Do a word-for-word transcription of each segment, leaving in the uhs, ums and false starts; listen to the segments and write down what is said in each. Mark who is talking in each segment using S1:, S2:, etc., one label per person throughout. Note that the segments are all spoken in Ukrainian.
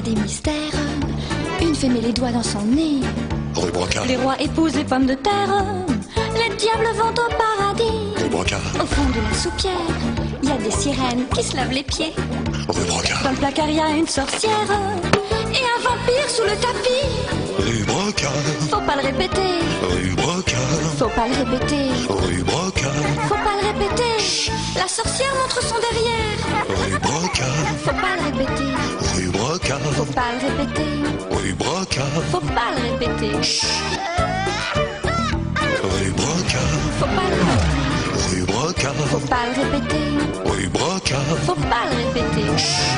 S1: des mystères. Une fée met les doigts dans son nez.
S2: Rue Brocard,
S1: Les rois épousent les pommes de terre. Les diables vont au paradis.
S2: rue Brocard,
S1: Au fond de la soupière, il y a des sirènes qui se lavent les pieds.
S2: rue Brocard,
S1: Dans le placard, il y a une sorcière. Et un vampire sous le tapis.
S2: rue Brocard,
S1: Faut pas le répéter.
S2: rue Brocard,
S1: Faut pas le répéter.
S2: rue Brocard,
S1: Faut pas le répéter. La sorcière montre son derrière.
S2: rue Brocard,
S1: Faut pas le répéter.
S2: rue Brocard,
S1: Faut pas le répéter.
S2: rue Brocard,
S1: Faut pas le répéter.
S2: rue Brocard,
S1: Faut pas le répéter.
S2: rue Brocard,
S1: Faut pas le répéter.
S2: rue Brocard.
S1: Faut pas le répéter.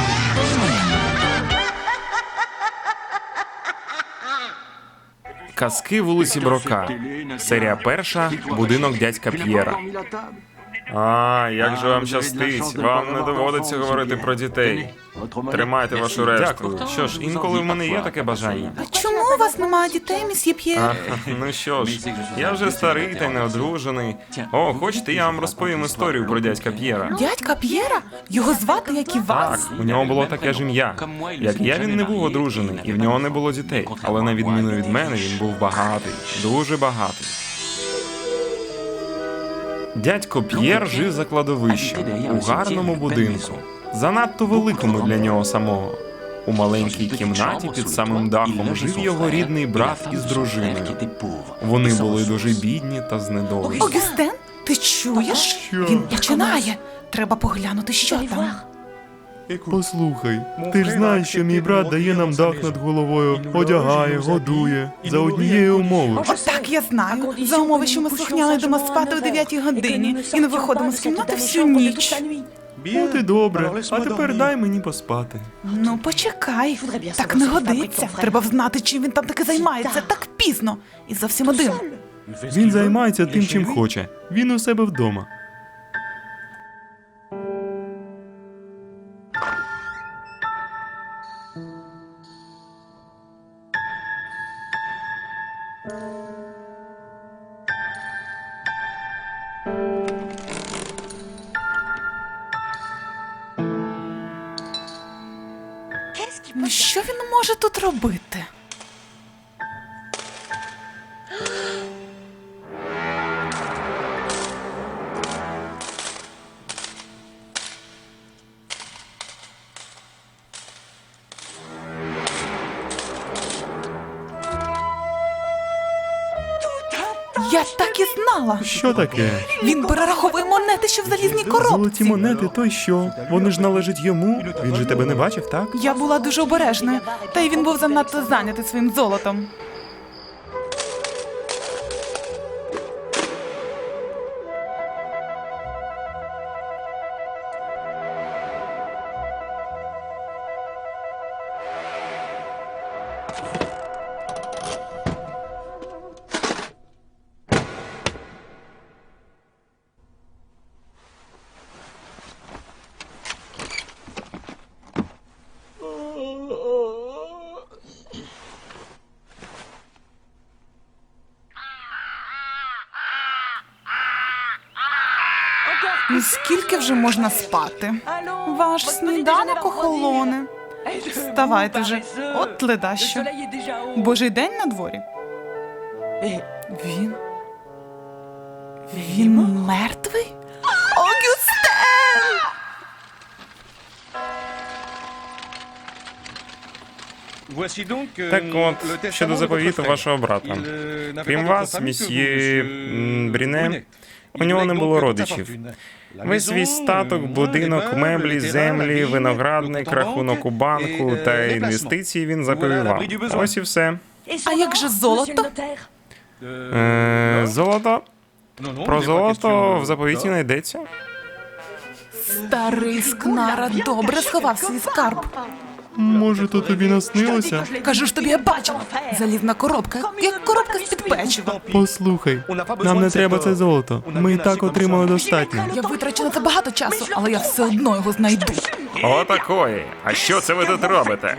S3: Казки вулиці Брока. Серія перша. Будинок дядька П'єра. А, як же вам щастить. Вам не доводиться говорити про дітей. Тримайте вашу решту. Що ж, інколи в мене є таке бажання.
S4: А чому у вас немає дітей, місьє П'єр?
S3: А, ну що ж, я вже старий та й неодружений. О, хочете, я вам розповім історію про дядька П'єра?
S4: Дядька П'єра? Його звати, як і вас?
S3: Так, у нього було таке ж ім'я. Як я, він не був одружений, і в нього не було дітей. Але на відміну від мене, він був багатий. Дуже багатий. Дядько П'єр жив за кладовищем, у гарному будинку. Занадто великому для нього самого. У маленькій кімнаті під самим дахом жив його рідний брат із дружиною. Вони були дуже бідні та знедолені.
S4: Огюстен, ти чуєш? Він починає. Треба поглянути, що там.
S5: Послухай, ти ж знаєш, що мій брат дає нам дах над головою, одягає, годує, за однієї умови.
S4: Так, я знаю. За умови, що ми слухняно йдемо спати о дев'ятій годині і не виходимо з кімнати всю ніч.
S5: От і добре, а тепер дай мені поспати.
S4: Ну, почекай. Так не годиться. Треба взнати, чим він там таки займається так пізно. І зовсім один.
S5: Він займається тим, чим хоче. Він у себе вдома.
S4: Ну, що він може тут робити? Я так і знала.
S5: Що таке?
S4: Він перераховує монети, що в залізній коробці.
S5: Золоті монети, то й що? Вони ж належать йому. Він же тебе не бачив, так?
S4: Я була дуже обережною, та й він був занадто зайнятий своїм золотом. Ну, скільки вже можна спати? Ваш сніданок охолоне. Вставайте вже, от ледащо. Божий день на дворі. Він... Він мертвий? Огюстен!
S3: Так от, щодо заповіту вашого брата. Крім вас, місьє м, Бріне, у нього не було родичів. Весь свій статок, будинок, меблі, землі, виноградник, рахунок у банку та інвестиції він заповів вам. Ось і все.
S4: А як же золото?
S3: Е, золото? Про золото в заповіті не йдеться.
S4: Старий скнара добре сховав свій скарб.
S5: Може, то тобі наснилося?
S4: Кажу ж тобі, я бачила. Залізна коробка, як коробка з-під печива.
S5: Послухай, нам не треба це золото. Ми і так отримали достатньо.
S4: Я витрачу на це багато часу, але я все одно його знайду.
S3: Отакої. А що це ви тут робите?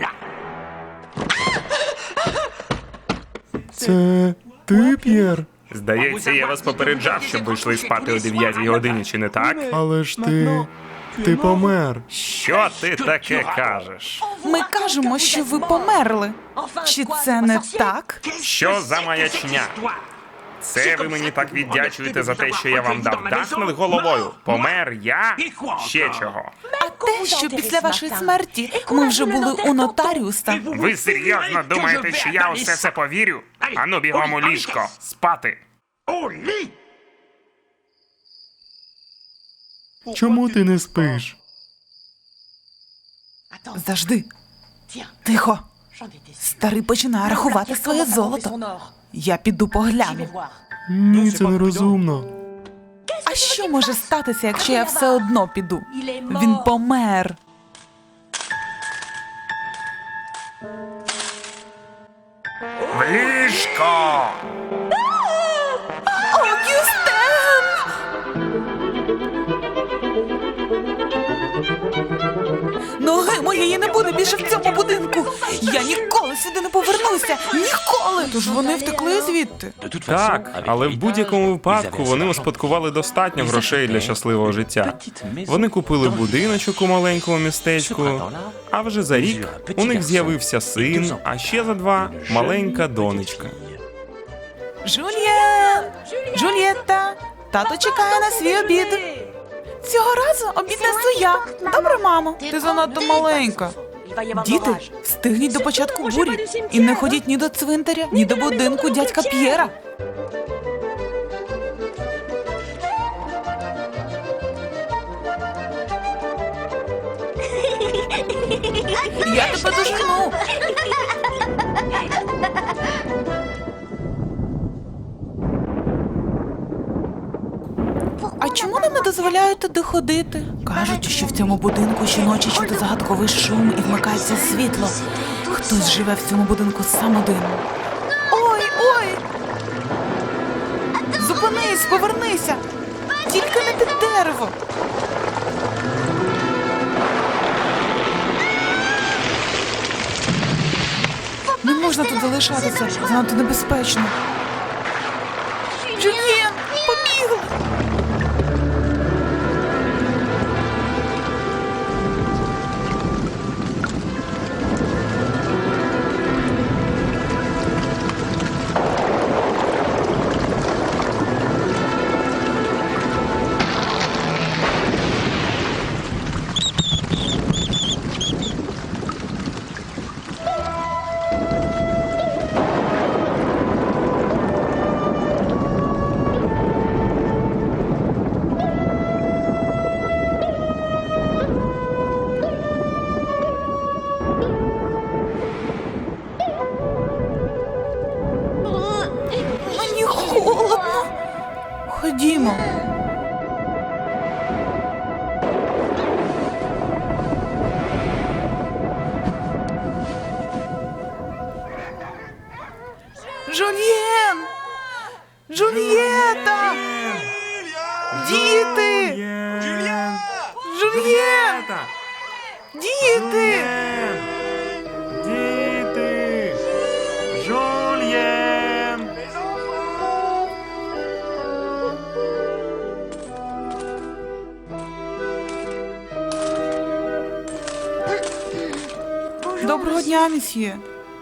S5: Це ти, П'єр?
S3: Здається, я вас попереджав, щоб ви йшли спати о дев'ятій годині, чи не так?
S5: Але ж ти... Ти помер.
S3: Що ти таке кажеш?
S4: Ми кажемо, що ви померли. Чи це не так?
S3: Що за маячня? Це ви мені так віддячуєте за те, що я вам дав дах над головою? Помер я? Ще чого?
S4: А те, що після вашої смерті ми вже були у нотаріуса.
S3: Ви серйозно думаєте, що я усе це повірю? Ану, бігом у ліжко, спати.
S5: Чому ти не спиш?
S4: Завжди. Тихо. Старий починає рахувати своє золото. Я піду погляну.
S5: Ні, це нерозумно.
S4: А що може статися, якщо я все одно піду? Він помер.
S3: В ліжко!
S4: Огюстен! Ноги моєї не буде більше в цьому будинку. Я ніколи сюди не повернуся. Ніколи! Тож вони втекли звідти.
S3: Так, але в будь-якому випадку вони успадкували достатньо грошей для щасливого життя. Вони купили будиночок у маленькому містечку, а вже за рік у них з'явився син, а ще за два – маленька донечка.
S4: Жульєн! Жульєтта! Тато чекає на свій обід. Цього разу обід несу я. Добре, мамо? Ти занадто маленька. Діти, встигніть до початку бурі. І не ходіть ні до цвинтаря, ні до будинку дядька П'єра. Я тебе дожену. А чому нам не дозволяють туди ходити? Кажуть, що в цьому будинку щоночі чути загадковий шум і вмикається світло. Хтось живе в цьому будинку сам один. Ой, ой! Зупинись, повернися! Тільки не під дерево! Не можна тут залишатися, занадто небезпечно. Жюльєн, побігли! Мені холодно. Ходімо. Жульєн! Жульєта! Діти! Жульєн! Діти!
S3: Діти! Жульєн!
S4: Доброго дня, місьє.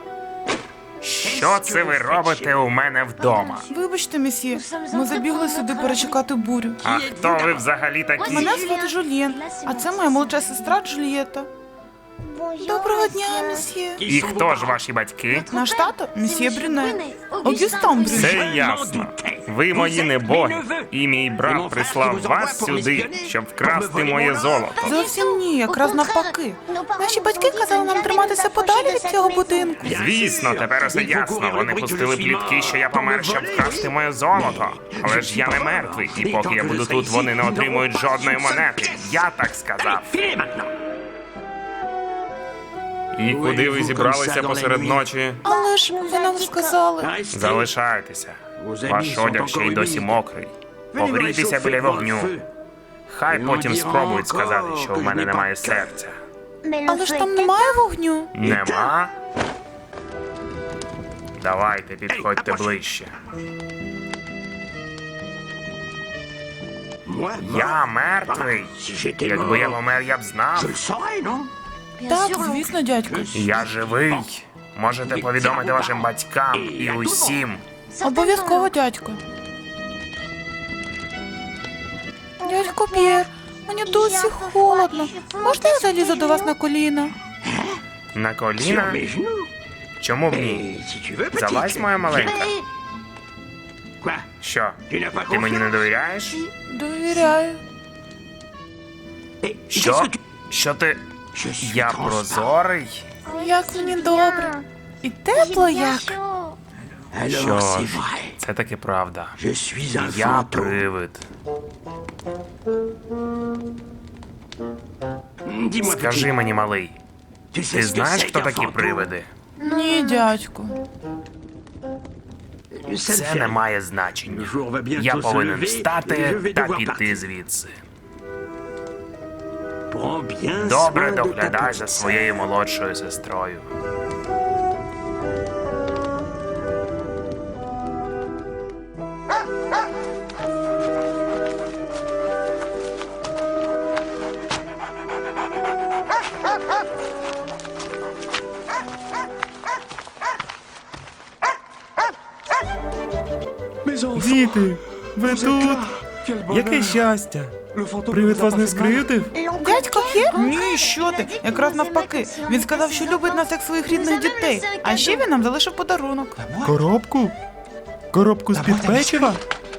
S3: Що це ви робите у мене вдома?
S4: Вибачте, місьє, ми забігли сюди перечекати бурю.
S3: А хто ви взагалі такі?
S4: Мене звати Жульєн, а це моя молодша сестра Джульєта. Доброго дня, місьє.
S3: І хто ж ваші батьки?
S4: Наш тато – місьє Брюне. Огюстен Брюне.
S3: Все ясно. Ви мої небоги, і мій брат прислав вас сюди, щоб вкрасти моє золото.
S4: Зовсім ні, якраз навпаки. Наші батьки казали нам триматися подалі від цього будинку.
S3: Звісно, тепер усе ясно. Вони пустили плітки, що я помер, щоб вкрасти моє золото. Але ж я не мертвий, і поки я буду тут, вони не отримують жодної монети. Я так сказав. І куди ви зібралися посеред ночі?
S4: Але ж ви нам сказали.
S3: Залишайтеся. Ваш одяг ще й досі мокрий. Погрійтеся біля вогню. Хай потім спробують сказати, що у мене немає серця.
S4: Але ж там немає вогню.
S3: Нема? Давайте, підходьте ближче. Я мертвий. Якби я помер, я б знав.
S4: Так, звісно, дядько.
S3: Я живий. Можете повідомити вашим батькам і усім.
S4: Обов'язково, дядько. Дядько П'єр, мені досі холодно. Можна я залізу до вас на коліна?
S3: На коліна? Чому б ні? Залазь, моя маленька. Що, ти мені не довіряєш?
S4: Довіряю.
S3: Що? Що ти? Я прозорий?
S4: Як мені добре. І тепло як.
S3: Що ж, це таки правда. Я привид. Скажи мені, малий, ти знаєш, хто такі привиди?
S4: Ні, дядько.
S3: Це не має значення. Я повинен встати та піти звідси. Добре доглядай за своєю молодшою сестрою.
S5: Діти, ви тут? Яке щастя! Привид вас не скривдив?
S4: Дядько П'єр? Ні, що ти? Якраз навпаки. Він сказав, що любить нас як своїх рідних дітей. А ще він нам залишив подарунок.
S5: Коробку? Коробку з-під печива?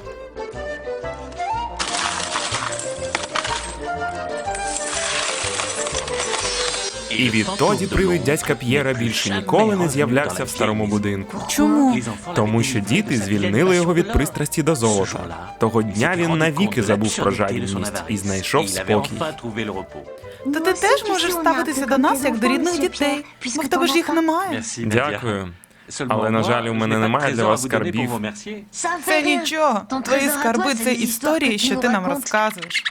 S3: І відтоді привид дядька П'єра більше ніколи не з'являвся в старому будинку.
S4: Чому?
S3: Тому що діти звільнили його від пристрасті до золота. Того дня він навіки забув про жадібність і знайшов спокій.
S4: Та ти теж можеш ставитися до нас як до рідних дітей. Бо в тебе ж їх немає.
S3: Дякую. Але, на жаль, у мене немає для вас скарбів.
S4: Це нічого. Твої скарби — це історії, що ти нам розказуєш.